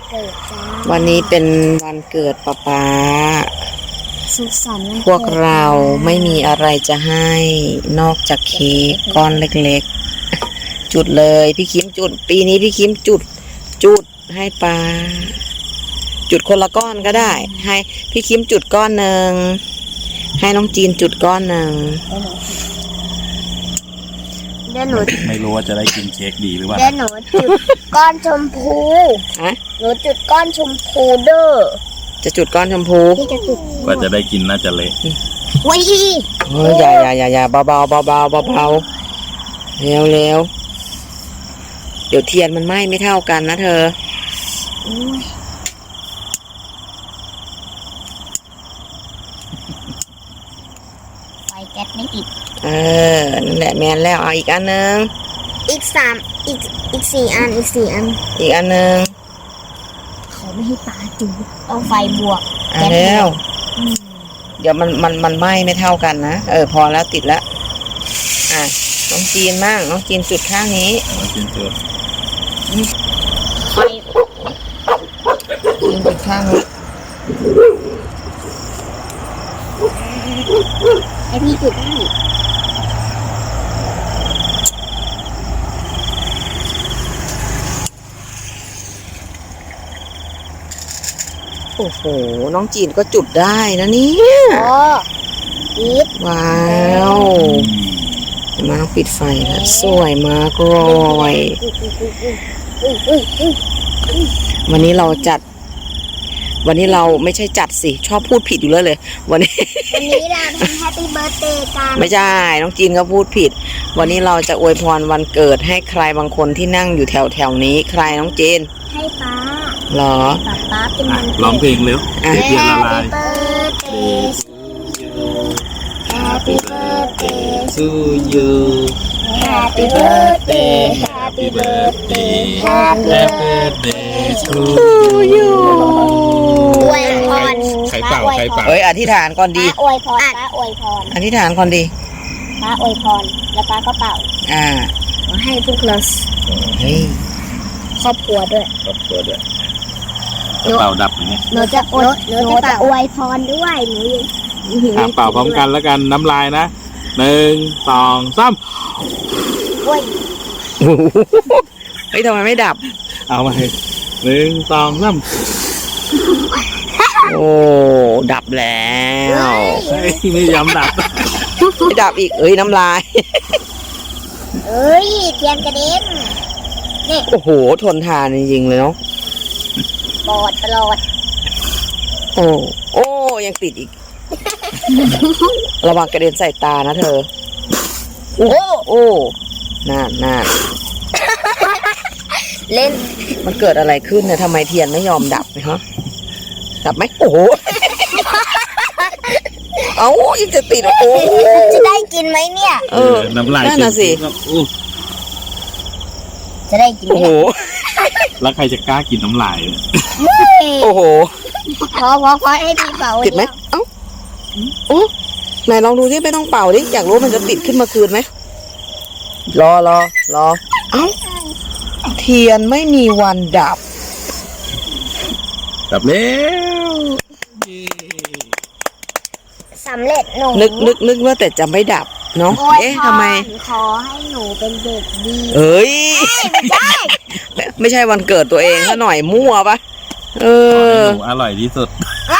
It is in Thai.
เกิดจ้าวันนี้เป็นวันเกิดป๊าป๊าสุขสันต์วันพวกเราไม่มีอะไรจะให้นอกจากเค้กก้อนเล็กๆ จุดเลยพี่คิมจุดปีนี้พี่คิมจุดให้ป๊าจุดคนละก้อนก็ได้ ให้พี่คิมจุดก้อนหนึ่งให้น้องจีนจุดก้อนหนึ่งเดี๋ยวหนูไม่รู้ว่าจะได้กินเค้กดีหรือเปล่าเดี๋ยวหนูจุดก้อนชมพูฮะหนูจุดก้อนชมพูเด้อจะจุดก้อนชมพูพี่จะจุดกว่าจะได้กินน่าจะเละวิเฮ้ยอย่าเบาเร็วเดี๋ยวเทียนมันไหม้ไม่เท่ากันนะเธอไฟแก๊สไม่ติดนั่นแหละแมนแล้วเอาอีกอันหนึงอีก4 อันอีก4 อันอีกอันหนึงเขาไม่ให้ปลาจุดต้องไฟบวกแล้ว เดี๋ยวมันไหม้ไม่เท่ากันนะพอแล้วติดแล้วน้องจีนมั่งน้องจีนจุดข้างนี้มากินตัวไฟจีนจุดข้างนี้ให้พี่จุดให้โอ้โหน้องจีนก็จุดได้นะเนี่ยอ๋ออีฟว้าวมาน้องปิดไฟแล้วสวยมากเลยวันนี้เราไม่ใช่จัดสิชอบพูดผิดอยู่เลยวันนี้วันนี้เราทำแฮปปี้เบิร์ธเดย์กันไม่ใช่น้องจีนก็พูดผิด วันนี้เราจะอวยพรวันเกิดให้ใครบางคนที่นั่งอยู่แถวนี้ใครน้องจีนให้ป้าเหรอป้าเป็นวันร้องเพลงเร็วอ่ะเทียนละลาย Happy birthday to you Happy birthday Happy birthday Happy Happy birthday to you อวยพรใครเป่าใครเป่าเอ้ยอธิษฐานก่อนดีป้าอวยพรป้าอวยพรอธิษฐานก่อนดีป้าอวยพรแล้วป้าก็เป่า ขอให้พวกเราเฮ้ยครอบครัวด้วยครอบครัวด้วยเป่าดับอย่างเงี้ยหนูจะอวยพรด้วยหนูเป่าพร้อมกันแล้วกันน้ำลายนะ1 2 3 อวยเฮ้ยทำไมไม่ดับเอามาให้1 2 3 โอ้ดับแล้วเฮ้ยไม่ยอมดับไม่ดับอีกเอ้ยน้ำลายเอ้ยเทียนกระเด็นโอ้โหทนทานจริงๆเลยเนาะปลอดโอ้ยังติดอีก ระวังกระเด็นใส่ตานะเธอ โอ้น่าเล่นมันเกิดอะไรขึ้นเนี่ยทำไมเทียนไม่ยอมดับฮะดับไหมโอ้โห เอ้ายังจะติดโอ้จะได้กินไหมเนี่ยน้ำลายนั่นน่ะสิจะได้กินไหมโอ้โหแล้วใครจะกล้ากินน้ำลายโอ้โหพอให้พี่เป่าติดไหมเอ้าโอ้ไหนลองดูที่ไม่ต้องเป่าดิอยากรู้มันจะติดขึ้นมาคืนไหมรอเอ้าเทียนไม่มีวันดับดับแล้วสำเร็จหนูนึกว่าแต่จะไม่ดับเนาะโอ้ยทำไมขอให้หนูเป็นเด็กดีเอ้ยไม่ได้ไม่ใช่วันเกิดตัวเองซะหน่อยมั่วปะขอให้หนูอร่อยที่สุดไม่